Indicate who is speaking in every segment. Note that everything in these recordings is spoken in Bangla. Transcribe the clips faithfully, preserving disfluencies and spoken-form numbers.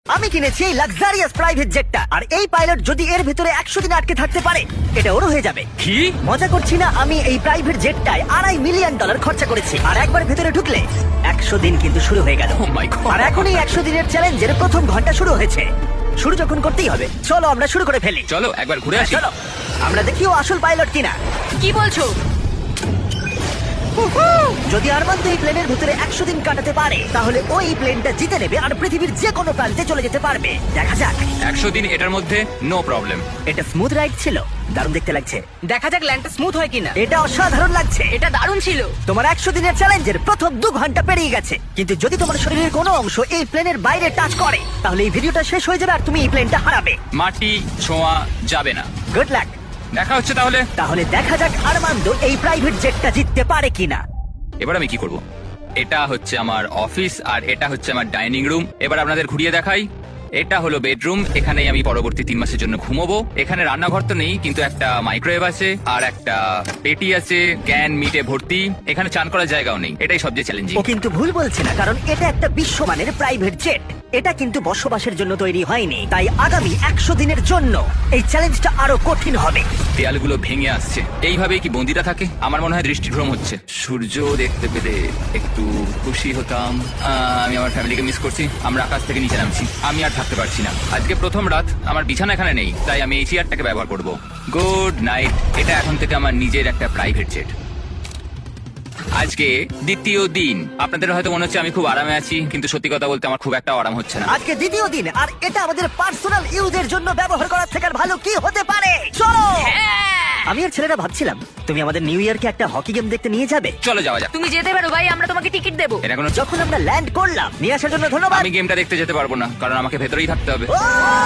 Speaker 1: আমি কিনেছি এই লাক্সারিয়াস প্রাইভেট জেটটা, আর এই পাইলট যদি এর ভিতরে একশো দিন আটকে থাকতে পারে এটা ওরও হয়ে যাবে।
Speaker 2: কি?
Speaker 1: মজা করছি না, আমি এই প্রাইভেট জেটটায় আড়াই মিলিয়ন ডলার খরচা করেছি, আর একবার ভেতরে ঢুকলে একশো দিন কিন্তু শুরু হয়ে গেল।
Speaker 2: Oh my God!
Speaker 1: আর এখন এই একশো দিনের চ্যালেঞ্জের প্রথম ঘন্টা শুরু হয়েছে। শুরু যখন করতেই হবে, চলো আমরা শুরু করে ফেলি।
Speaker 2: চলো একবার ঘুরে আসি।
Speaker 1: চলো আমরা দেখি ও আসল পাইলট কিনা।
Speaker 3: কি বলছো?
Speaker 1: যদি আরমান্দ এই প্লেনের ভিতরে একশো দিন কাটাতে পারে তাহলে ও এই প্লেনটা জিতে নেবে আর পৃথিবীর যে কোনো প্রান্তে চলে যেতে পারবে। দেখা যাক।
Speaker 2: একশো দিন এটার মধ্যে নো প্রবলেম।
Speaker 1: এটা স্মুথ রাইড ছিল, দারুণ দেখতে লাগছে।
Speaker 3: দেখা যাক ল্যান্ডটা স্মুথ হয় কিনা।
Speaker 1: এটা অসাধারণ লাগছে।
Speaker 3: এটা দারুণ ছিল।
Speaker 1: তোমার একশো দিনের চ্যালেঞ্জের প্রথম দু ঘন্টা পেরিয়ে গেছে, কিন্তু যদি তোমার শরীরের কোনো অংশ এই প্লেনের বাইরে টাচ করে তাহলে এই ভিডিওটা শেষ হয়ে যাবে আর তুমি এই প্লেনটা হারাবে।
Speaker 2: মাটি ছোঁয়া যাবে না।
Speaker 1: Good luck.
Speaker 2: দেখা হচ্ছে তাহলে।
Speaker 1: তাহলে দেখা যাক আরমান্দ এই প্রাইভেট জেটটা জিততে পারে কিনা।
Speaker 2: এবার আমি কি করব? এটা হচ্ছে আমার অফিস আর এটা হচ্ছে আমার ডাইনিং রুম। এবার আপনাদের ঘুরিয়ে দেখাই। এটা হলো বেডরুম, এখানেই আমি পরবর্তী তিন মাসের জন্য ঘুমোবো। এখানে রান্নাঘর তো নেই, কিন্তু একটা মাইক্রোওয়েভ আছে আর একটা পেটি আছে, ক্যান মিটে ভর্তি। এখানে চান করার জায়গাও নেই। এটাই সবচেয়ে চ্যালেঞ্জিং।
Speaker 1: ও কিন্তু ভুল বলছে না, কারণ এটা একটা বিশ্বমানের প্রাইভেট জেট। এটা কিন্তু বসবাসের জন্য তৈরি হয়নি, তাই আগামী একশো দিনের জন্য এই চ্যালেঞ্জটা আরো কঠিন হবে।
Speaker 2: দেয়ালগুলো ভেঙে আসছে। এইভাবেই কি বন্দিরা থাকে? আমার মনে হয় দৃষ্টিভ্রম হচ্ছে। সূর্য দেখতে পেলে একটু খুশি হতাম। আহ, আমি আমার ফ্যামিলিকে মিস করছি। আমরা আকাশ থেকে নিচে নামছি। আমি আর থাকতে পারছি না। আজকে প্রথম রাত, আমার বিছানা এখানে নেই, তাই আমি এই চেয়ারটাকে ব্যবহার করব। Good night. এটা এখন থেকে আমার নিজের একটা প্রাইভেট জেট। আজকে দ্বিতীয় দিন। আপনাদের হয়তো মনে হচ্ছে আমি খুব আরামে আছি, কিন্তু সত্যি কথা বলতে আমার খুব একটা আরাম হচ্ছে না।
Speaker 1: আজকে দ্বিতীয় দিন, আর এটা আমাদের পার্সোনাল ইউজের জন্য ব্যবহার করার থেকে আর ভালো কি হতে পারে। চলো। আমি আর ছেলেরা ভাবছিলাম তুমি আমাদের নিউ ইয়ারকে একটা হকি গেম দেখতে নিয়ে যাবে।
Speaker 2: চলো যাওয়া যাক।
Speaker 3: তুমি যেতে পারো ভাই, আমরা তোমাকে টিকিট দেবো।
Speaker 2: এটা কোনো
Speaker 1: যখন আমরা ল্যান্ড করলাম, নিয়ে আসার জন্য ধন্যবাদ।
Speaker 2: আমি গেমটা দেখতে যেতে পারবো না, কারণ আমাকে ভেতরেই থাকতে হবে।
Speaker 1: ও!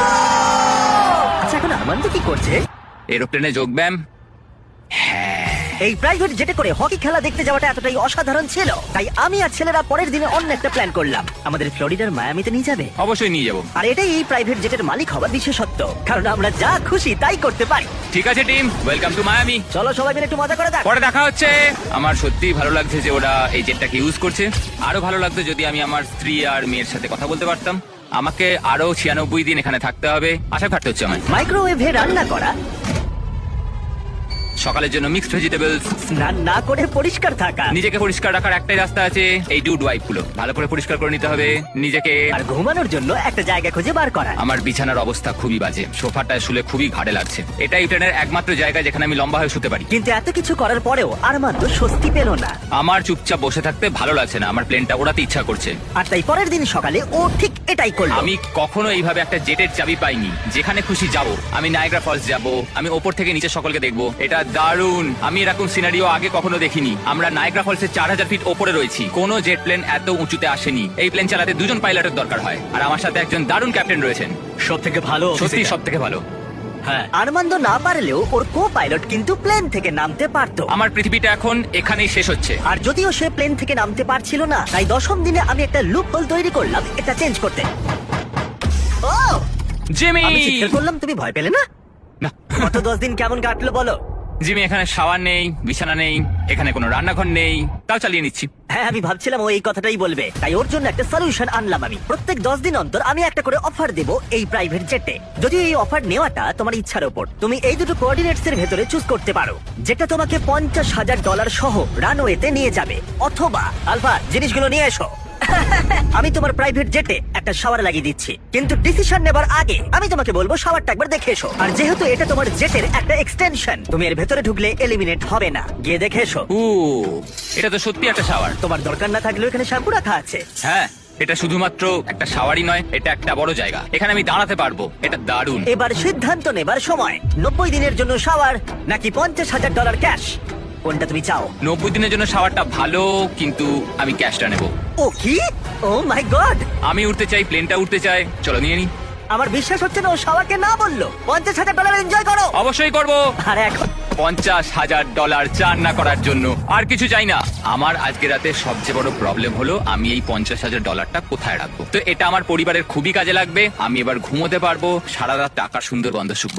Speaker 1: আচ্ছা এখন আরমান্দ কি করছে?
Speaker 2: এরোপ্লেনে যোগব্যায়াম। হ্যাঁ,
Speaker 1: এই প্রাইভেট জেটে করে হকি খেলা দেখতে যাওয়াটা এতটাই অসাধারণ ছিল, তাই আমি আর ছেলেরা পরের দিনে অন্য একটা প্ল্যান করলাম। আমাদের ফ্লোরিডার মায়ামিতে নিয়ে যাবে।
Speaker 2: অবশ্যই নিয়ে যাবো।
Speaker 1: আর এটাই এই প্রাইভেট জেটের মালিক হওয়ার বিশেষত্ব, কারণ আমরা যা খুশি তাই করতে পারি।
Speaker 2: ঠিক আছে টিম, ওয়েলকাম টু মায়ামি।
Speaker 1: চলো সবাই মিলে একটু মজা করে যাক।
Speaker 2: পরে দেখা হচ্ছে। আমার সত্যিই ভালো লাগছে যে ওরা এই জেটটাকে ইউজ করছে। আরো ভালো লাগতো যদি আমি আমার স্ত্রী আর মেয়ের সাথে কথা বলতে পারতাম। আমাকে আরো ছিয়ানব্বই দিন এখানে থাকতে হবে। আশা খাটতে হচ্ছে আমার।
Speaker 1: মাইক্রোওয়েভে রান্না করা,
Speaker 2: সকালের জন্য মিক্সড ভেজিটেবলস।
Speaker 1: স্নান না করে পরিষ্কার থাকা,
Speaker 2: নিজেকে পরিষ্কার রাখার একটাই রাস্তা আছে, এই ডুড ওয়াইপ গুলো ভালো করে পরিষ্কার করে নিতে হবে নিজেকে।
Speaker 1: আর ঘুমানোর জন্য একটা জায়গা খুঁজে বার করা।
Speaker 2: আমার বিছানার অবস্থা খুবই বাজে। সোফাটায় শুলে খুবই ঘাড়ে লাগছে। এটাই ট্রেনের একমাত্র জায়গা যেখানে আমি লম্বা হয়ে শুতে পারি।
Speaker 1: কিন্তু এত কিছু করার পরেও আরমান্দ স্বস্তি পেল না।
Speaker 2: আমার চুপচাপ বসে থাকতে ভালো লাগছে না। আমার প্লেনটা ওড়াতে ইচ্ছা করছে।
Speaker 1: আর তাই পরের দিন সকালে ও ঠিক এটাই করলো।
Speaker 2: আমি কখনো এইভাবে একটা জেটের চাবি পাইনি। যেখানে খুশি যাব। আমি নায়াগ্রা ফলস যাব, আমি ওপর থেকে নিচে সকলকে দেখবো। এটা দারুণ। আমি এরকম সিনারিও আগে কখনো দেখিনি। আমরা নায়াগ্রা ফলসের চার হাজার ফিট ওপরে রয়েছি। কোনো জেট প্লেন এত উঁচুতে আসেনি। এই প্লেন চালাতে দুজন পাইলটের দরকার হয়, আর আমার সাথে একজন দারুণ ক্যাপ্টেন রয়েছেন।
Speaker 1: সব থেকে ভালো,
Speaker 2: সত্যি সব থেকে ভালো।
Speaker 1: হ্যাঁ, আরমান্দ না পারলেও ওর কো পাইলট কিন্তু প্লেন থেকে নামতে পারতো।
Speaker 2: আমার পৃথিবীটা এখন এখানেই শেষ হচ্ছে।
Speaker 1: আর যদিও সে প্লেন থেকে নামতে পারছিল না, তাই দশম দিনে আমি একটা লুপ হোল তৈরি করলাম এটা চেঞ্জ করতে। Oh
Speaker 2: Jimmy!
Speaker 1: আমি চিৎকার করলাম, তুমি ভয় পেলে না?
Speaker 2: না।
Speaker 1: গত দশ দিন কেমন কাটলো বলো?
Speaker 2: জিমি, এখানে শাওয়ার নেই, বিছানা নেই, এখানে কোনো রান্নাঘর নেই, তাও চালিয়ে নিচ্ছি।
Speaker 1: হ্যাঁ, আমি ভাবছিলাম ও এই কথাটাই বলবে, তাই ওর জন্য একটা সলিউশন আনলাম আমি। প্রত্যেক দশ দিন অন্তর আমি একটা করে অফার দেবো এই প্রাইভেট জেটে। যদিও এই অফার নেওয়াটা তোমার ইচ্ছার উপর, তুমি এই দুটো কোঅর্ডিনেটস এর ভেতরে চুজ করতে পারো, যেটা তোমাকে পঞ্চাশ হাজার ডলার সহ রানওয়েতে নিয়ে যাবে, অথবা আলফা জিনিসগুলো নিয়ে এসো। আমি তোমার প্রাইভেট জেটে একটা শাওয়ার লাগিয়ে দিচ্ছি, কিন্তু ডিসিশন নেবার আগে আমি তোমাকে বলবো শাওয়ারটা একবার দেখে এসো। আর যেহেতু এটা তোমার জেটের একটা এক্সটেনশন, তুমি এর ভেতরে ঢুকলে এলিমিনেট হবে না। গিয়ে দেখে এসো।
Speaker 2: ও, এটা তো সত্যি একটা শাওয়ার।
Speaker 1: তোমার দরকার না থাকলেও এখানে শ্যাম্পু রাখা আছে।
Speaker 2: হ্যাঁ, এটা শুধুমাত্র একটা শাওয়ারই নয়, এটা একটা বড় জায়গা। এখানে আমি দাঁড়াতে পারবো। এটা দারুণ।
Speaker 1: এবার সিদ্ধান্ত নেবার সময়, নব্বই দিনের জন্য শাওয়ার নাকি পঞ্চাশ হাজার ডলার ক্যাশ, কোনটা তুমি চাও?
Speaker 2: নব্বই দিনের জন্য শাওয়ারটা ভালো, কিন্তু আমি ক্যাশটা নেব।
Speaker 1: ও কি? Oh my god!
Speaker 2: আমি উঠতে চাই, প্লেনটা উঠতে চাই। চলো নিয়ে নি।
Speaker 1: আমার বিশ্বাস হচ্ছে না ও শাওয়ারকে না বললো। পঞ্চাশ হাজার ডলার এনজয় করো।
Speaker 2: অবশ্যই করব।
Speaker 1: আর এখন
Speaker 2: পঞ্চাশ হাজার ডলার চান না করার জন্য আর কিছু চাই না। আমার আজকে রাতে সবচেয়ে বড় প্রবলেম হলো আমি এই পঞ্চাশ হাজার ডলারটা কোথায় রাখবো। তো এটা আমার পরিবারের খুবই কাজে লাগবে। আমি এবার ঘুমোতে পারবো, সারা রাত টাকার সুন্দর গন্ধ শুকবো।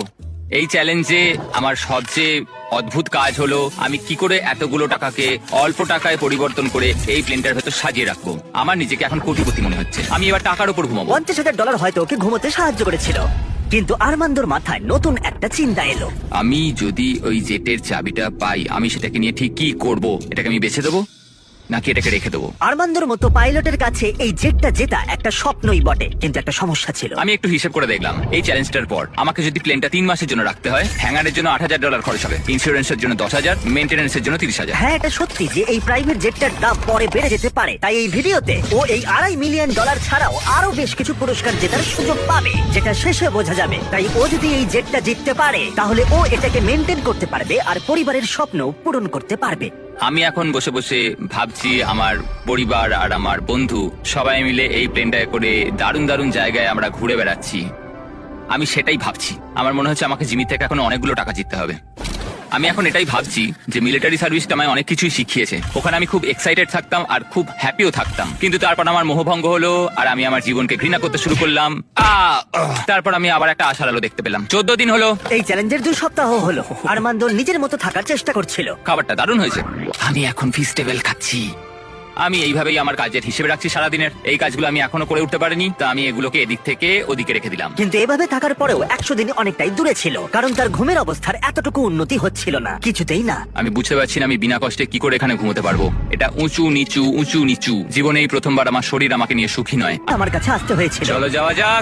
Speaker 2: এই চ্যালেঞ্জে আমার সবচেয়ে অদ্ভুত কাজ হলো আমি কি করে এতগুলো টাকাকে অল্প টাকায় পরিবর্তন করে এই প্লেনটার ভেতর সাজিয়ে রাখবো। আমার নিজেকে এখন কোটিপতি মনে হচ্ছে। আমি এবার টাকার উপর ঘুমাবো।
Speaker 1: পঞ্চাশ হাজার ডলার হয়তো ওকে ঘুমোতে সাহায্য করেছিল, কিন্তু আরমান্দোর মাথায় নতুন একটা চিন্তা এলো।
Speaker 2: আমি যদি ওই জেটের চাবিটা পাই, আমি সেটাকে নিয়ে ঠিক কি করব? এটাকে আমি বেছে দেবো নাকি এটাকে রেখে দেবো?
Speaker 1: আরমান্দোর মতো পাইলটের কাছে এই জেটটা জেতা একটা স্বপ্নই বটে, কিন্তু একটা সমস্যা ছিল।
Speaker 2: আমি একটু হিসেব করে দেখলাম, এই চ্যালেঞ্জটার পর আমাকে যদি প্লেনটা তিন মাসের জন্য রাখতে হয়, হ্যাঙ্গারের জন্য আট হাজার ডলার খরচ হবে, ইন্স্যুরেন্সের জন্য দশ হাজার, মেনটেন্যান্সের জন্য তিরিশ হাজার।
Speaker 1: হ্যাঁ, এটা সত্যি যে এই প্রাইভেট জেটটার দাম পরে বেড়ে যেতে পারে। তাই এই ভিডিওতে ও এই আড়াই মিলিয়ন ডলার ছাড়াও আরো বেশ কিছু পুরস্কার জেতার সুযোগ পাবে, যেটা শেষে বোঝা যাবে। তাই ও যদি এই জেটটা জিততে পারে, তাহলে ও এটাকে মেনটেন করতে পারবে আর পরিবারের স্বপ্ন পূরণ করতে পারবে।
Speaker 2: আমি এখন বসে বসে ভাবছি আমার পরিবার আর আমার বন্ধু সবাই মিলে এই প্লেনটায় করে দারুণ দারুণ জায়গায় আমরা ঘুরে বেড়াচ্ছি। আমি সেটাই ভাবছি। আমার মনে হচ্ছে আমাকে জিমি থেকে এখন অনেকগুলো টাকা জিততে হবে। আমি এখন এটাই ভাবছি যে মিলিটারি সার্ভিসটা আমায় অনেক কিছুই শিখিয়েছে। ওখানে আমি খুব এক্সাইটেড থাকতাম আর খুব হ্যাপিও থাকতাম, কিন্তু তারপর আমার মোহভঙ্গ হলো আর আমি আমার জীবনকে ঘৃণা করতে শুরু করলাম। আহ, আহ, তারপর আমি আবার একটা আশার আলো দেখতে পেলাম। চোদ্দ দিন হলো
Speaker 1: এই চ্যালেঞ্জের দু সপ্তাহ হলো আরমান্দো নিজের মতো থাকার চেষ্টা করছিল।
Speaker 2: খাবারটা দারুণ হয়েছে। আমি এখন ফিস্টেবল খাচ্ছি। আমি এইভাবেই আমার কাজের হিসেবে রাখছি সারাদিনের। এই কাজগুলো আমি এখনো করে উঠতে পারিনি, তা আমি এগুলোকে এদিক থেকে ওদিকে রেখে দিলাম।
Speaker 1: কিন্তু এভাবে থাকার পরেও একশো দিন অনেকটাই দূরে ছিল, কারণ তার ঘুমের অবস্থার এতটুকু উন্নতি হচ্ছিল না, কিছুতেই না।
Speaker 2: আমি বুঝতে পারছি না আমি বিনা কষ্টে কি করে এখানে ঘুমোতে পারবো। এটা উঁচু নিচু উঁচু নিচু। জীবনে এই প্রথমবার আমার শরীর আমাকে নিয়ে সুখী নয়।
Speaker 1: আমার কাছে আসতে হয়েছিল।
Speaker 2: চলো যাওয়া যাক।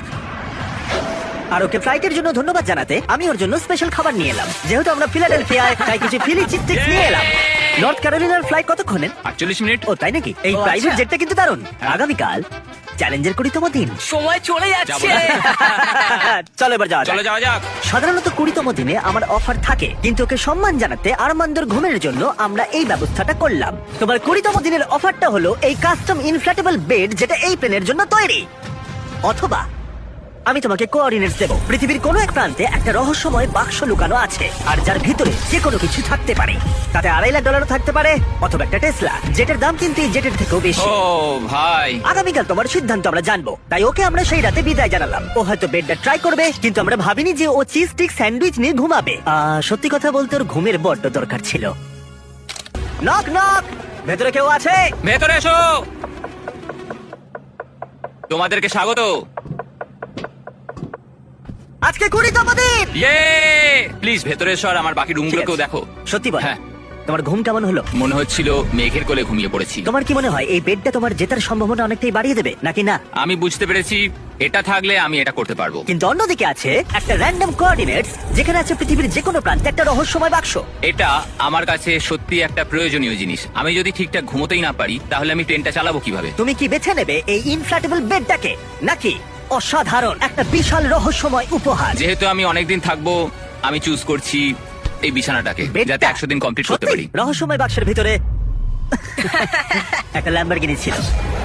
Speaker 1: আর ওকে ফ্লাইটের জন্য ধন্যবাদ জানাতে আমি ওর জন্য স্পেশাল খাবার নিয়ে এলাম। যেহেতু আমরা ফিলাডেলফিয়ায়, তাই কিছু ফিলি চিপটিক্স নিয়ে এলাম। নর্থ ক্যারোলিনার ফ্লাইট কতক্ষণে?
Speaker 2: আটচল্লিশ মিনিট।
Speaker 1: ও তাই নাকি? এই
Speaker 3: ও,
Speaker 1: প্রাইভেট
Speaker 3: আচ্ছা।
Speaker 1: জেটটা কিন্তু দারুণ। আগামীকাল চ্যালেঞ্জের কুড়িতম দিন।
Speaker 3: সময় চলে যাচ্ছে।
Speaker 1: চলো এবার যাওয়া
Speaker 2: চলো
Speaker 1: যাক।
Speaker 2: যাওয়া যাক।
Speaker 1: সাধারণত কুড়িতম দিনে আমার অফার থাকে, কিন্তু ওকে সম্মান জানাতে আরমান্দোর ঘুমের জন্য আমরা এই ব্যবস্থাটা করলাম। তোমার কুড়িতম দিনের অফারটা হলো এই কাস্টম ইনফ্ল্যাটেবল বেড, যেটা এই প্লেনের জন্য তৈরি। অথবা আমি তোমাকে কোঅর্ডিনেটস দেবো। পৃথিবীর কোনো এক প্রান্তে একটা রহস্যময় বাক্স লুকানো আছে, আর যার ভিতরে যে কোনো কিছু থাকতে পারে। তাতে আড়াই লাখ ডলারও থাকতে পারে, অথবা একটা টেসলা, যেটার দাম কিন্তু এই জেটের থেকেও বেশি।
Speaker 2: ও ভাই,
Speaker 1: আগামীকাল তোমার সিদ্ধান্ত আমরা জানবো, তাই ওকে আমরা সেই রাতে বিদায় জানালাম। ও হয়তো বেডটা ট্রাই করবে, কিন্তু আমরা ভাবিনি যে ও চিজ স্টিক স্যান্ডউইচ নিয়ে ঘুমাবে। আহ, সত্যি কথা বলতে ওর ঘুমের বড্ড দরকার ছিল। নক নক, ভেতরে কেউ আছে?
Speaker 2: ভেতরে এসো। তোমাদেরকে স্বাগত।
Speaker 1: আজকে কুড়িতম দিন।
Speaker 2: ইয়ে, প্লিজ ভেতরে এসো আর আমার বাকি রুমগুলোকেও দেখো।
Speaker 1: সত্যি বল,
Speaker 2: হ্যাঁ।
Speaker 1: তোমার ঘুম কেমন হলো?
Speaker 2: মনে হচ্ছিল মেঘের কোলে ঘুমিয়ে পড়েছি।
Speaker 1: তোমার কি মনে হয় এই বেডটা তোমার জেতার সম্ভাবনা অনেকটাই বাড়িয়ে দেবে নাকি না?
Speaker 2: আমি বুঝতে পেরেছি এটা থাকলে আমি এটা করতে পারবো।
Speaker 1: কিন্তু অন্যদিকে আছে একটা র্যান্ডম কোঅর্ডিনেটস, যেখানে আছে পৃথিবীর যে কোনো প্রান্তে একটা রহস্যময় বাক্স।
Speaker 2: এটা আমার কাছে সত্যি একটা প্রয়োজনীয় জিনিস। আমি যদি ঠিকঠাক ঘুমোতেই না পারি, তাহলে আমি ট্রেনটা চালাবো কিভাবে?
Speaker 1: তুমি কি বেছে নেবে এই ইনফ্ল্যাটেবল বেডটাকে, নাকি অসাধারণ একটা বিশাল রহস্যময় উপহার?
Speaker 2: যেহেতু আমি অনেকদিন থাকবো, আমি চুজ করছি এই বিছানাটাকে,
Speaker 1: বেডটা?
Speaker 2: যাতে একশো দিন কমপ্লিট করতে
Speaker 1: সত্যি?
Speaker 2: পারি।
Speaker 1: রহস্যময় বাক্সের ভিতরে একটা ল্যাম্বরগিনি ছিল।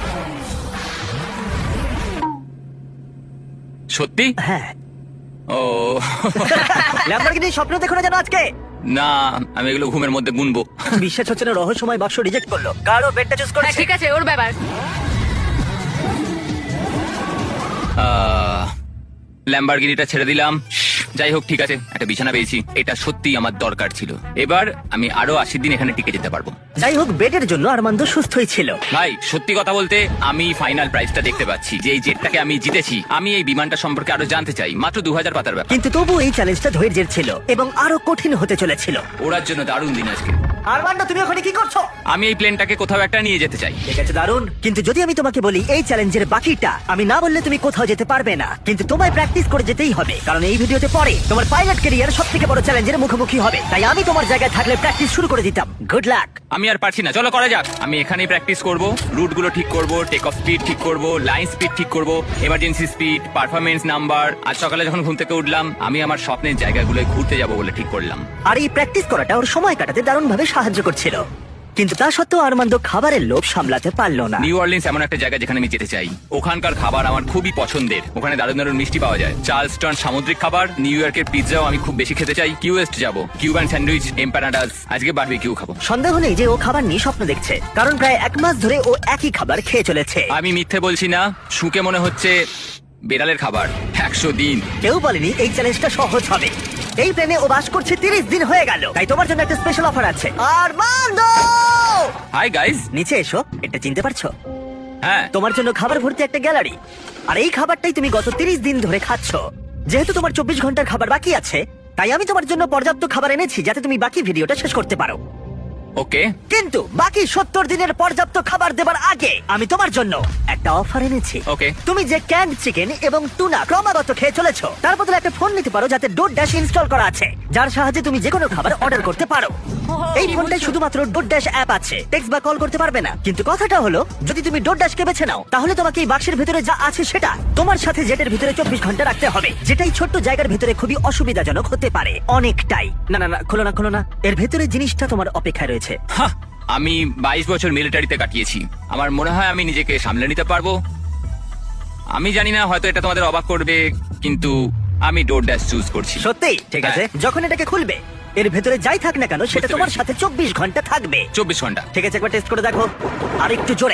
Speaker 2: সত্যি?
Speaker 1: হ্যাঁ,
Speaker 2: ও
Speaker 1: ল্যাম্বরগিনি স্বপ্ন দেখো না যেন আজকে।
Speaker 2: না, আমি এগুলো ঘুমের মধ্যে গুনবো।
Speaker 1: বিশ্বাস হচ্ছে না, রহস্যময় বাক্স রিজেক্ট করলো। কারো বেডটা চুজ
Speaker 3: হ্যাঁ
Speaker 1: করেছে।
Speaker 3: ঠিক আছে, ওর ব্যাপার।
Speaker 2: ল্যাম্বরগিনিটা ছেড়ে দিলাম। শ্শ্, যাই হোক, ঠিক আছে, একটা বিছানা পেয়েছি। এটা সত্যি আমার দরকার ছিল। এবার আমি আরো আশি দিন এখানে টিকে যেতে পারবো।
Speaker 1: যাই হোক, বেডের জন্য আরমান্দ সুস্থই ছিল।
Speaker 2: ভাই, সত্যি কথা বলতে আমি ফাইনাল প্রাইসটা দেখতে পাচ্ছি যে এই জেটটাকে আমি জিতেছি। আমি এই বিমানটা সম্পর্কে আরো জানতে চাই। মাত্র দু হাজার পাতার ব্যাপার।
Speaker 1: কিন্তু তবু এই চ্যালেঞ্জটা ধৈর্যের ছিল এবং আরো কঠিন হতে চলেছিল।
Speaker 2: ওড়ার জন্য দারুণ দিন আজকে।
Speaker 1: আরমান্দ, তুমি ওখানে কি করছো?
Speaker 2: আমি এই প্লেনটাকে কোথাও একটা নিয়ে যেতে চাই।
Speaker 1: ঠিক আছে, দারুণ। কিন্তু যদি আমি তোমাকে বলি এই চ্যালেঞ্জের বাকিটা, আমি না বললে তুমি কোথাও যেতে পারবে না। কিন্তু তোমায় প্র্যাকটিস করে যেতেই হবে, কারণ এই ভিডিওতে পরে তোমার পাইলট ক্যারিয়ার সব থেকে বড় চ্যালেঞ্জের মুখোমুখি হবে। তাই আমি তোমার জায়গায় থাকলে প্র্যাকটিস শুরু করে দিতাম। Good luck.
Speaker 2: আমি আর পারছি না, চলো করা যাক। আমি এখানেই প্র্যাকটিস করব, রুট গুলো ঠিক করব, টেক অফ স্পিড ঠিক করব, লাইন স্পিড ঠিক করব, এমার্জেন্সি স্পিড, পারফরমেন্স নাম্বার। আজ সকালে যখন ঘুম থেকে উঠলাম, আমি আমার স্বপ্নের জায়গাগুলোয় ঘুরতে যাব বলে ঠিক করলাম।
Speaker 1: আর এই প্র্যাকটিস করাটা ওর সময় কাটাতে দারুণ ভাবে সাহায্য করছিল। কিন্তু তা সত্ত্বেও আরমান্দ খাবারের লোভ সামলাতে পারলো না।
Speaker 2: নিউ অরলিন্স এমন একটা জায়গা যেখানে আমি যেতে চাই। ওখানকার খাবার আমার খুবই পছন্দের। ওখানে দারুণ দারুণ মিষ্টি পাওয়া যায়, চার্লস্টন সামুদ্রিক খাবার, নিউ ইয়র্কের পিৎজাও আমি খুব বেশি খেতে চাই। কিউএস্ট যাব, কিউবান স্যান্ডউইচ, এম্পানাডাস। আজকে বারবিকিউ খাবো।
Speaker 1: সন্দেহ নেই যে ও খাবার নিয়ে স্বপ্ন দেখছে, কারণ প্রায় এক মাস ধরে ও একই খাবার খেয়ে চলেছে।
Speaker 2: আমি মিথ্যে বলছি না, শুকে মনে হচ্ছে বেড়ালের খাবার একশো দিন।
Speaker 1: কেউ বলেনি এই চ্যালেঞ্জটা সহজ হবে। এই প্লেনে ও বাস করছে তিরিশ দিন হয়ে গেল, তাই তোমার জন্য একটা স্পেশাল অফার আছে। Armando,
Speaker 2: hi guys.
Speaker 1: নিচে এসো। এটা চিনতে পারছো?
Speaker 2: হ্যাঁ,
Speaker 1: তোমার জন্য খাবার ভর্তি একটা গ্যালারি, আর এই খাবারটাই তুমি গত তিরিশ দিন ধরে খাচ্ছ। যেহেতু তোমার চব্বিশ ঘন্টার খাবার বাকি আছে, তাই আমি তোমার জন্য পর্যাপ্ত খাবার এনেছি যাতে তুমি বাকি ভিডিওটা শেষ করতে পারো।
Speaker 2: ওকে।
Speaker 1: কিন্তু বাকি সত্তর দিনের পর্যাপ্ত খাবার দেবার আগে আমি তোমার জন্য একটা অফার এনেছি।
Speaker 2: ওকে।
Speaker 1: তুমি যে ক্যান্ড চিকেন এবং টুনা ক্রমাগত খেয়ে চলেছো, তার বদলে একটা ফোন নিতে পারো যাতে ডোর ড্যাশ ইনস্টল করা আছে, যার সাহায্যে তুমি যে কোনো খাবার অর্ডার করতে পারো। এই ফোনটায় শুধুমাত্র ডোর ড্যাশ অ্যাপ আছে, টেক্সট বা কল করতে পারবে না। কিন্তু কথাটা হলো, যদি তুমি ডোর ড্যাশকে বেছে নাও, তাহলে তোমাকে এই বাক্সের ভিতরে যা আছে সেটা তোমার সাথে জেটের ভিতরে চব্বিশ ঘন্টা রাখতে হবে, যেটাই ছোট্ট জায়গার ভিতরে খুবই অসুবিধাজনক হতে পারে অনেকটাই। না না না, খোলো না খোলো না, এর ভেতরে জিনিসটা তোমার অপেক্ষায় রয়েছে।
Speaker 2: হাহ, আমি বাইশ বছর মিলিটারিতে কাটিয়েছি। আমার মনে হয় আমি নিজেকে সামলে নিতে পারবো। আমি জানি না, হয়তো এটা তোমাদের অবাক করবে, কিন্তু আমি ডোর ড্যাশ চুজ করছি।
Speaker 1: সত্যি? ঠিক আছে, যখন এটাকে খুলবে এর ভেতরে যাই থাক না কেন সেটা
Speaker 2: বুঝতে
Speaker 1: তোমার
Speaker 2: পেরেছি।
Speaker 1: সাথে চব্বিশ ঘন্টা থাকবে।
Speaker 2: চব্বিশ ঘন্টা।
Speaker 1: ঠিক আছে, একবার টেস্ট করে দেখো, আর একটু জোরে।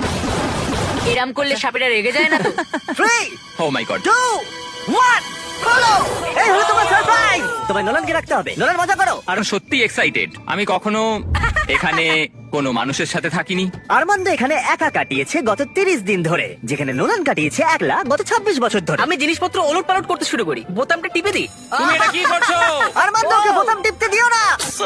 Speaker 3: এরম করলে সাপেরা রেগে যায় না তো?
Speaker 1: Three,
Speaker 2: oh my god.
Speaker 1: Two, one, খোলো। এই হলো তোমার সারপ্রাইজ। তোমায় নোলানকে রাখতে হবে। নোলান, মজা করো। আর
Speaker 2: আর সত্যি এক্সাইটেড। আমি কখনো এখানে কোনো মানুষের সাথে থাকিনি।
Speaker 1: আরমান্দ এখানে একা কাটিয়েছে গত তিরিশ দিন ধরে, যেখানে নোলান কাটিয়েছে একলা গত ছাব্বিশ বছর ধরে।
Speaker 4: আমি জিনিসপত্র ওলট পালট করতে শুরু করি, বোতামটা টিপে দিই।
Speaker 2: তুমি এটা কি করছো?
Speaker 1: আরমান্দ, ওকে বোতাম টিপতে দিও না।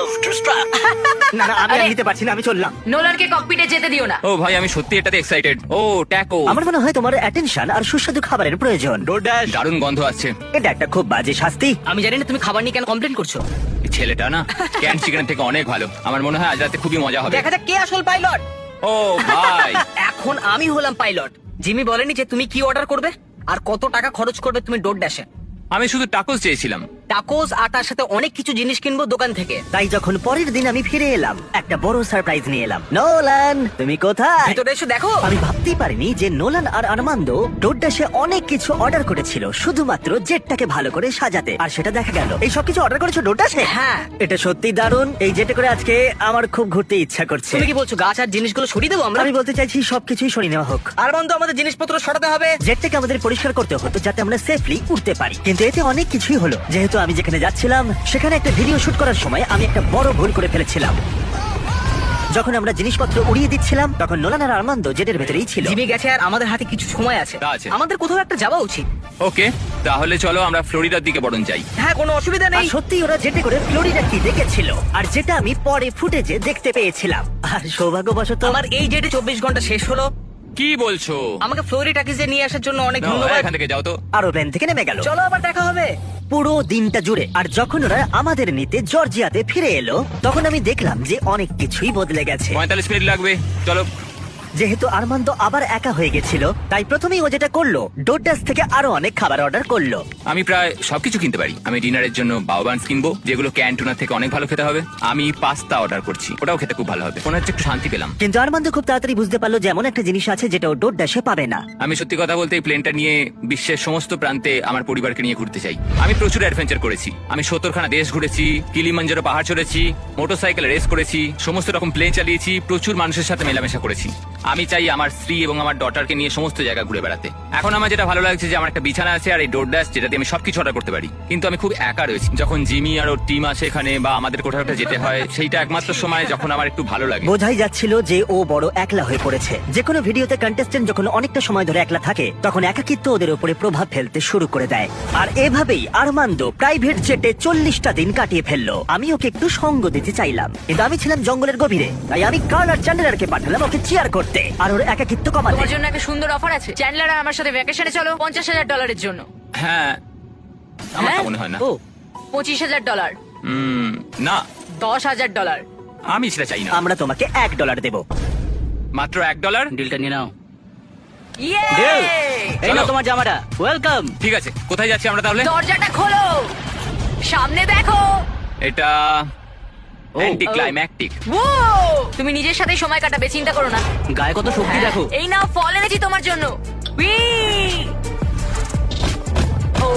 Speaker 1: না না, আমি আর
Speaker 3: আরে-
Speaker 1: নিতে পারছি না, আমি চললাম।
Speaker 3: নোলানকে ককপিটে যেতে দিও না।
Speaker 2: ও ভাই, আমি সত্যি এটাতে এক্সাইটেড। ও ট্যাকো।
Speaker 1: আমার মনে হয় তোমার অ্যাটেনশন আর সুস্বাদু খাবারের প্রয়োজন।
Speaker 2: দারুণ গন্ধ আসছে।
Speaker 1: এটা একটা খুব বাজে শাস্তি।
Speaker 4: আমি জানি না তুমি খাবার নিয়ে কেন কমপ্লেন করছো।
Speaker 2: এই ছেলেটা না ক্যান চিকেন থেকে অনেক ভালো। আমার মনে হয় আজ রাতে খুবই মজা হবে।
Speaker 4: দেখা যাক কে আসল পাইলট।
Speaker 2: ও ভাই,
Speaker 4: এখন আমি হলাম পাইলট। জিমি বলেনি যে তুমি কি অর্ডার করবে আর কত টাকা খরচ করবে তুমি ডোর ড্যাশে।
Speaker 2: আমি শুধু টাকোস চেয়েছিলাম।
Speaker 4: টাকোস আর তার সাথে অনেক কিছু জিনিস কিনবো দোকান থেকে।
Speaker 1: তাই যখন পরের দিন আমি ফিরে এলাম, একটা বড় সারপ্রাইজ নিয়ে এলাম। নোলান, তুমি কোথায়?
Speaker 4: ভিতরে এসে দেখো।
Speaker 1: আমি ভাবতেই পারিনি যে নোলান আর আরমান্দ ডোরডাশে অনেক কিছু অর্ডার করেছিল শুধুমাত্র জেটটাকে ভালো করে সাজাতে, আর সেটা দেখা গেল। এই সব কিছু অর্ডার করেছো ডোরডাশে?
Speaker 4: হ্যাঁ।
Speaker 1: এটা সত্যি দারুণ। এই জেটে করে আজকে আমার খুব ঘুরতে ইচ্ছা করছে।
Speaker 4: তুমি কি বলছো গাছ আর জিনিসগুলো সরিয়ে দেবো আমরা?
Speaker 1: আমি বলতে চাইছি সবকিছুই সরিয়ে নেওয়া হোক।
Speaker 4: আর বন্ধু, আমাদের জিনিসপত্র সরাতে হবে।
Speaker 1: জেটটাকে আমাদের পরিষ্কার করতে হতো যাতে আমরা সেফলি উঠতে পারি, কিন্তু এতে অনেক কিছুই হলো। যেহেতু আমি যেখানে যাচ্ছিলাম সেখানে একটা ভিডিও শুট করার সময় আমি একটা বড় ভুল করে ফেলেছিলাম। যখন আমরা জিনিসপত্র উড়িয়ে দিচ্ছিলাম তখন নোলান আর আরমান্দ জেটের ভেতরেই ছিল।
Speaker 4: জিমি গেছে আর আমাদের হাতে কিছু সময় আছে।
Speaker 2: তা আছে।
Speaker 4: আমাদের কোথাও একটা যাওয়া উচিত।
Speaker 2: ওকে, তাহলে চলো আমরা ফ্লোরিডার দিকে বরং যাই।
Speaker 4: হ্যাঁ, কোনো অসুবিধা
Speaker 1: আর
Speaker 4: নেই।
Speaker 1: সত্যি ওরা জেটে করে ফ্লোরিডা কি দেখেছিল, আর যেটা আমি পরে ফুটেজে দেখতে পেয়েছিলাম। আর সৌভাগ্যবশত
Speaker 4: আমার এই জেটে চব্বিশ ঘন্টা শেষ হলো।
Speaker 2: কি বলছো?
Speaker 4: আমাকে ফ্লোরিডাকে নিয়ে আসার জন্য অনেক
Speaker 2: নাও,
Speaker 4: ধন্যবাদ।
Speaker 2: এখান থেকে যাও তো।
Speaker 1: আরো প্লেন থেকে নেমে গেল।
Speaker 4: চলো আবার দেখা হবে।
Speaker 1: পুরো দিনটা জুড়ে। আর যখন ওরা আমাদের নিতে জর্জিয়াতে ফিরে এলো তখন আমি দেখলাম যে অনেক কিছুই বদলে গেছে।
Speaker 2: পঁয়তাল্লিশ মিনিট লাগবে, চলো।
Speaker 1: যেহেতু আরমান্দ আবার একা হয়ে গেছিল তাই প্রথমেই ও যেটা করলো ডোরডাস থেকে আরো অনেক খাবার অর্ডার করলো।
Speaker 2: আমি প্রায় সবকিছু কিনতে পারি। আমি ডিনারের জন্য বাউবান্স কিনবো, যেগুলো ক্যান্টুনা থেকে অনেক ভালো খেতে হবে। আমি পাস্তা অর্ডার করছি, ওটাও খেতে খুব ভালো হবে। মনে হচ্ছে একটু শান্তি পেলাম।
Speaker 1: কিন্তু আরমান্দ খুব তাড়াতাড়ি বুঝতে পারলো যে এমন একটা জিনিস আছে যেটা ও ডোরডাসে পাবে না।
Speaker 2: আমি সত্যি কথা বলতে এই প্লেনটা নিয়ে বিশ্বের সমস্ত প্রান্তে আমার পরিবারকে নিয়ে ঘুরতে চাই। আমি প্রচুর অ্যাডভেঞ্চার করেছি। আমি সত্তরখানা দেশ ঘুরেছি, কিলিমাঞ্জারো পাহাড় চড়েছি, মোটরসাইকেল রেস করেছি, সমস্ত রকম প্লেন চালিয়েছি, প্রচুর মানুষের সাথে মেলামেশা করেছি। আমি চাই আমার স্ত্রী এবং আমার ডটারকে নিয়ে সমস্ত জায়গা ঘুরে বেড়াতে। এখন আমার যেটা ভালো লাগছে যে আমার একটা বিছানা আছে আর এই ডোরডাস, যেটাতে আমি সবকিছু অর্ডার করতে পারি। কিন্তু আমি খুব একা রয়েছি। যখন জিমি আর ওর টিম আসে এখানে বা আমাদের কোথাও একটা যেতে হয়, সেইটা একমাত্র সময় যখন আমার একটু ভালো লাগে।
Speaker 1: বোঝাই যাচ্ছিল যে ও বড় একলা হয়ে পড়েছে। যে কোনো ভিডিওতে কন্টেস্টেন্ট যখন অনেকটা সময় ধরে একলা থাকে তখন একাকিত্ব ওদের উপরে প্রভাব ফেলতে শুরু করে দেয়। আর এভাবেই আরমান্দ প্রাইভেট জেটে চল্লিশটা দিন কাটিয়ে ফেললো। আমি ওকে একটু সঙ্গ দিতে চাইলাম, কিন্তু আমি ছিলাম জঙ্গলের গভীরে, তাই আমি কার্ল আর চ্যান্ডেলারকে পাঠালাম ওকে চিয়ার করতে আর ওর একাকিত্ব কমাতে।
Speaker 3: তোমার জন্য একটা সুন্দর অফার আছে। চ্যান্ডলার আর আমার সাথে ভ্যাকেশনে চলো পঞ্চাশ হাজার ডলারের জন্য।
Speaker 2: হ্যাঁ, আমার
Speaker 3: হ্যাঁ?
Speaker 2: তা মনে হয় না।
Speaker 1: ও
Speaker 3: পঁচিশ হাজার ডলার,
Speaker 2: উম, না,
Speaker 3: দশ হাজার ডলার।
Speaker 2: আমি সেটা চাই না।
Speaker 1: আমরা তোমাকে এক ডলার দেব।
Speaker 2: মাত্র এক ডলার?
Speaker 4: ডিলটা নিয়ে নাও।
Speaker 3: ইয়ে!
Speaker 4: এই নাও তোমার জামাটা। ওয়েলকাম।
Speaker 2: ঠিক আছে, কোথায় যাচ্ছি আমরা তাহলে?
Speaker 3: দরজাটা খোলো, সামনে দেখো।
Speaker 2: এটা অ্যান্টি ক্লাইম্যাকটিক।
Speaker 3: ও, তুমি নিজের সাথে সময় কাটাবে, চিন্তা করো না।
Speaker 4: গায়ে কত শক্তি দেখো।
Speaker 3: হ্যাঁ, এই নাও ফল এনেছি তোমার জন্য। উই! ও।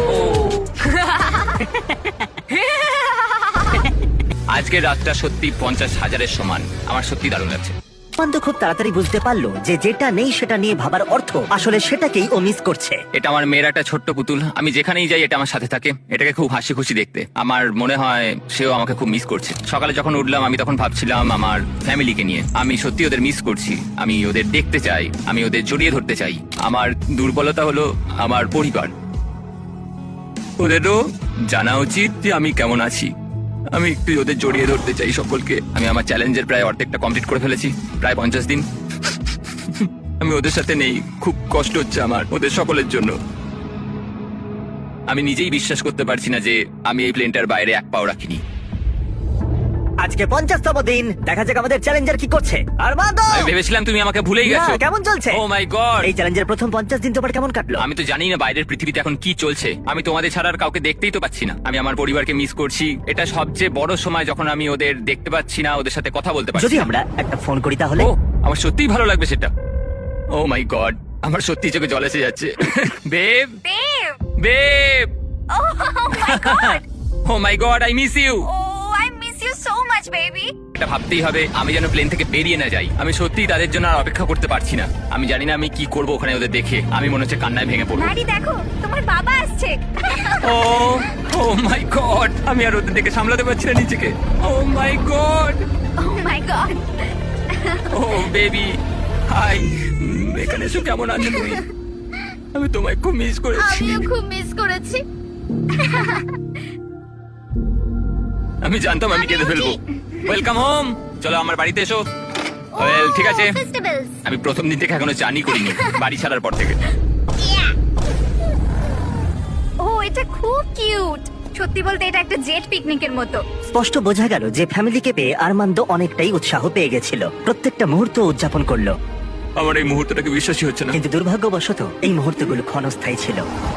Speaker 2: আজকের রাতটা সত্যি পঞ্চাশ হাজারের সমান। আমার সত্যি দারুণ লাগছে।
Speaker 1: আরমান্দ খুব তাড়াতাড়ি বুঝতে পারলো যে যেটা নেই সেটা নিয়ে ভাবার অর্থ আসলে সেটাকেই ও মিস করছে।
Speaker 2: এটা আমার মেয়ের একটা ছোট্ট পুতুল, আমি যেখানেই যাই এটা আমার সাথে থাকে। এটাকে খুব হাসি খুশি দেখতে, আমার মনে হয় সেও আমাকে খুব মিস করছে। সকালে যখন উঠলাম আমি তখন ভাবছিলাম আমার ফ্যামিলিকে নিয়ে। আমি সত্যি ওদের মিস করছি, আমি ওদের দেখতে চাই, আমি ওদের জড়িয়ে ধরতে চাই। আমার দুর্বলতা হলো আমার পরিবার, ওদেরও জানা উচিত যে আমি কেমন আছি। আমি একটু ওদের জড়িয়ে ধরতে চাই সকলকে। আমি আমার চ্যালেঞ্জের প্রায় অর্ধেকটা কমপ্লিট করে ফেলেছি, প্রায় পঞ্চাশ দিন। আমি ওদের সাথে নেই, খুব কষ্ট হচ্ছে আমার ওদের সকলের জন্য। আমি নিজেই বিশ্বাস করতে পারছি না যে আমি এই প্লেনটার বাইরে এক পাও রাখিনি।
Speaker 1: আজকে পঞ্চাশতম দিন, দেখা যাক আমাদের চ্যালেঞ্জার কি করছে। আরমান্দ,
Speaker 2: আমি ভেবেছিলাম তুমি আমাকে ভুলেই গেছো।
Speaker 1: না, কেমন চলছে?
Speaker 2: ও মাই গড,
Speaker 1: এই চ্যালেঞ্জের প্রথম পঞ্চাশ দিন তোমার কেমন কাটলো?
Speaker 2: আমি তো জানি না বাইরের পৃথিবীতে এখন কি চলছে। আমি তোমাদের ছাড়া আর কাউকে দেখতেই তো পাচ্ছি না। আমি আমার পরিবারকে মিস করছি। এটা সবচেয়ে বড় সময় যখন আমি ওদের দেখতে পাচ্ছি না, ওদের সাথে কথা বলতে পারছি
Speaker 1: যদি
Speaker 2: না।
Speaker 1: আমরা একটা ফোন করি তাহলে?
Speaker 2: ও, আমার সত্যিই ভালো লাগবে সেটা। ও মাই গড, আমার সত্যি চোখে জল এসে যাচ্ছে। Babe,
Speaker 3: Babe!
Speaker 2: Babe,
Speaker 3: Oh my god!
Speaker 2: Oh my god, I miss you.
Speaker 3: Oh, I miss you so much, baby!
Speaker 2: এটা ভাবতেই হবে আমি যেন প্লেন থেকে বেরিয়ে না যাই। আমি সত্যিই তাদের জন্য আর অপেক্ষা করতে পারছি না। আমি জানি না আমি কি করব ওখানে ওদের দেখে। আমি মনে হচ্ছে কান্নায় ভেঙে পড়বো।
Speaker 3: ম্যাডি, দেখো তোমার বাবা আসছে।
Speaker 2: ও ও মাই গড, আমি আর ওদের দেখে সামলাতে পারছি না নিজেকে। Oh my god,
Speaker 3: Oh my god!
Speaker 2: Oh baby, hi. এখানে এসো, কেমন আছো তুমি? আমি তোমায় খুব মিস করেছি।
Speaker 3: আমিও খুব মিস করেছি।
Speaker 2: আমি জানতাম আমি কেঁদে ফেলবো। ওয়েলকাম হোম, চলো আমার বাড়িতে এসো। ওয়েল, ঠিক আছে।
Speaker 3: Festivals!
Speaker 2: আমি প্রথম দিন থেকে এখনো চানই করিনি, বাড়ি ছাড়ার পর থেকে।
Speaker 3: ও, এটা খুব কিউট। সত্যি বলতে এটা একটা জেট পিকনিকের মতো।
Speaker 1: স্পষ্ট বোঝা গেল যে ফ্যামিলিকে পেয়ে আরমান্দ অনেকটাই উৎসাহ পেয়ে গেছিল। প্রত্যেকটা মুহূর্ত উদযাপন করলো।
Speaker 2: আমার এই মুহূর্তটাকে বিশ্বাসই হচ্ছে না।
Speaker 1: কিন্তু দুর্ভাগ্যবশত এই মুহূর্তগুলো ক্ষণস্থায়ী ছিল।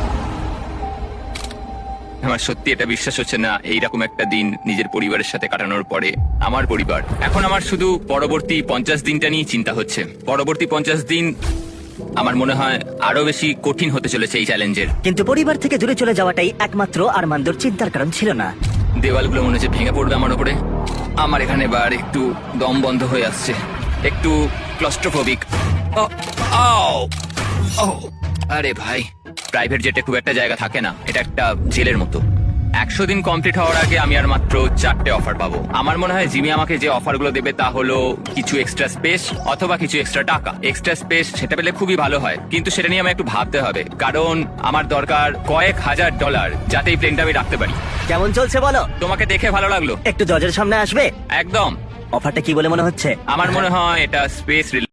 Speaker 2: আমার সত্যি এটা বিশ্বাস হচ্ছে না, এইরকম একটা দিন নিজের পরিবারের সাথে কাটানোর পরে। আমার পরিবার, এখন আমার শুধু পরবর্তী পঞ্চাশ দিনটা নিয়ে চিন্তা হচ্ছে। পরবর্তী পঞ্চাশ দিন আমার মনে হয় আরো বেশি কঠিন হতে চলেছে এই চ্যালেঞ্জের।
Speaker 1: কিন্তু পরিবার থেকে দূরে চলে যাওয়াটাই একমাত্র আরমান্দর চিন্তার কারণ ছিল না।
Speaker 2: দেওয়ালগুলো মনে হচ্ছে ভেঙে পড়বে আমার উপরে। আমার এখানে বার একটু দম বন্ধ হয়ে আসছে, একটু ক্লস্ট্রোফোবিক। ও, আও, ও, আরে ভাই, প্রাইভেট জেটে খুব একটা জায়গা থাকে না, এটা একটা জেলের মতো। একশো দিন কমপ্লিট হওয়ার আগে আমি আর মাত্র চারটে অফার পাবো। আমার মনে হয় জিমি আমাকে যে অফারগুলো দেবে তা হলো কিছু এক্সট্রা স্পেস অথবা কিছু এক্সট্রা টাকা। এক্সট্রা স্পেস সেটা পেলে খুবই ভালো হয়, কিন্তু সেটা নিয়ে আমার একটু ভাবতে হবে, কারণ আমার দরকার কয়েক হাজার ডলার যাতে এই প্লেনটা আমি রাখতে পারি।
Speaker 1: কেমন চলছে বলো?
Speaker 2: তোমাকে দেখে ভালো লাগলো।
Speaker 1: একটু দরজার সামনে আসবে?
Speaker 2: একদম।
Speaker 1: অফারটা কি বলে মনে হচ্ছে?
Speaker 2: আমার মনে হয় এটা স্পেস